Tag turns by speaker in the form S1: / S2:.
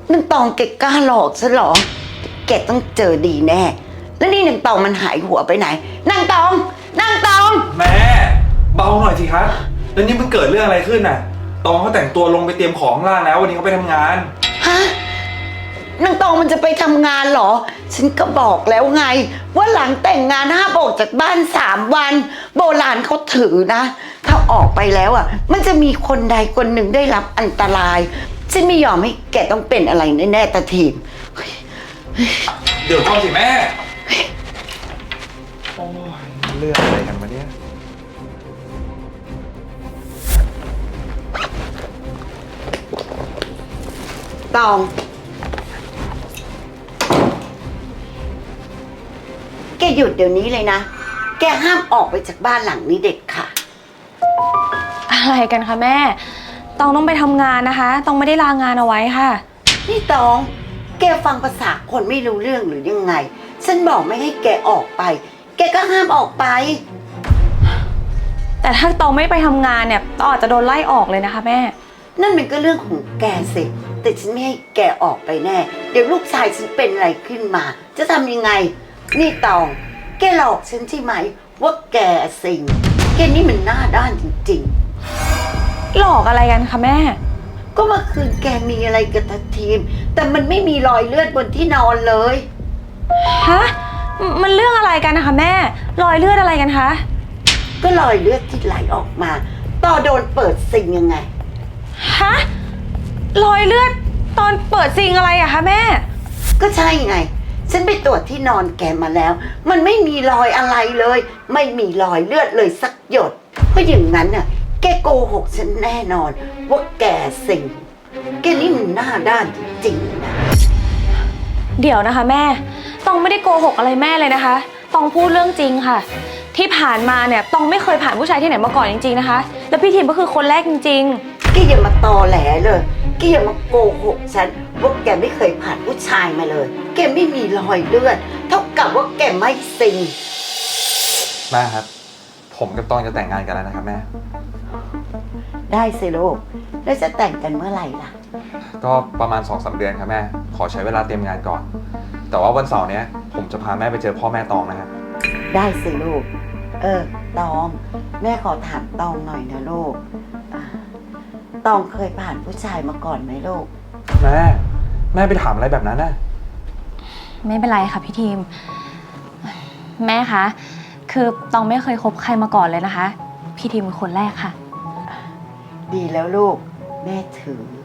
S1: นางตองแกกล้าหลอกฉันเหรอแกต้องเจอดีแน่แล้วนี่นางตองมันหายหัวไปไหนนางตอง
S2: แม่เบาหน่อยสิครับแล้วนี่มันเกิดเรื่องอะไรขึ้นน่ะตองเขาแต่งตัวลงไปเตรียมของล่างแล้ววันนี้เขาไปทำงาน
S1: ฮะนางตองมันจะไปทำงานเหรอฉันก็บอกแล้วไงว่าหลังแต่งงานห้ามออกจากบ้าน3 วันโบราณเขาถือนะถ้าออกไปแล้วอ่ะมันจะมีคนใดคนหนึ่งได้รับอันตรายฉันไม่ยอมให้แกต้องเป็นอะไรแน่ๆตาทีม
S2: เดี๋ยวก่อนสิแม่โอ้ยเรื่องอะไรกันวะเนี่ย
S1: ตองแกหยุดเดี๋ยวนี้เลยนะแกห้ามออกไปจากบ้านหลังนี้เด็ดค่ะ
S3: อะไรกันคะแม่ตองต้องไปทำงานนะคะตองไม่ได้ลางานเอาไว้ค่ะ
S1: นี่ตองแกฟังภาษาคนไม่รู้เรื่องหรือยังไงฉันบอกไม่ให้แกออกไปแกก็ห้ามออกไป
S3: แต่ถ้าตองไม่ไปทำงานเนี่ยตองอาจจะโดนไล่ออกเลยนะคะแม่
S1: นั่นมันก็เรื่องของแกสิแต่ฉันไม่ให้แกออกไปแน่เดี๋ยวลูกชายฉันเป็นอะไรขึ้นมาจะทำยังไงนี่ตองแกหลอกฉันใช่ไหมว่าแกสิงแกนี่มันหน้าด้านจริง
S3: ๆหลอกอะไรกันคะแม่
S1: ก็เมื่อคืนแกมีอะไรกับทัพทีมแต่มันไม่มีรอยเลือดบนที่นอนเลย
S3: ฮะมันเรื่องอะไรกันนะคะแม่รอยเลือดอะไรกันคะ
S1: ก็รอยเลือดที่ไหลออกมาต่อโดนเปิดซิงยังไง
S3: ฮะรอยเลือดตอนเปิดซิงอะไรอะคะแม่
S1: ก็ใช่ไงฉันไปตรวจที่นอนแกมาแล้วมันไม่มีรอยอะไรเลยไม่มีรอยเลือดเลยสักหยดเพราะอย่างนั้นน่ะแกโกหกฉันแน่นอนว่าแกสิงแกนี่มันหน้าด้านจริงๆนะ
S3: เดี๋ยวนะคะแม่ตองไม่ได้โกหกอะไรแม่เลยนะคะตองพูดเรื่องจริงค่ะที่ผ่านมาเนี่ยตองไม่เคยผ่านผู้ชายที่ไหนมาก่อนจริงๆนะคะแล้วพี่ทีมก็คือคนแรกจริง
S1: ๆแกอย่ามาตอแหลเลยแกอย่ามาโกหกฉันว่าแกไม่เคยผ่านผู้ชายมาเลยแกไม่มีรอยเลือดเท่ากับว่าแกไม่สิง
S2: แม่ครับผมกับตองจะแต่งงานกันแล้วนะครับแม่
S1: ได้สิลูกแล้วจะแต่งกันเมื่อไหร่ล่ะ
S2: ก็ประมาณ 2-3 เดือนครับแม่ขอใช้เวลาเตรียมงานก่อนแต่ว่าวันเสาร์นี้ผมจะพาแม่ไปเจอพ่อแม่ตองนะครับ
S1: ได้สิลูกตองแม่ขอถามตองหน่อยนะลูกตองเคยผ่านผู้ชายมาก่อนไหมลูก
S2: แม่ไปถามอะไรแบบนั้นน่ะ
S3: ไม่เป็นไรค่ะพี่ทีมแม่คะคือตองไม่เคยคบใครมาก่อนเลยนะคะพี่ทีมเป็นคนแรกค่ะ
S1: ดีแล้วลูกแม่ถือ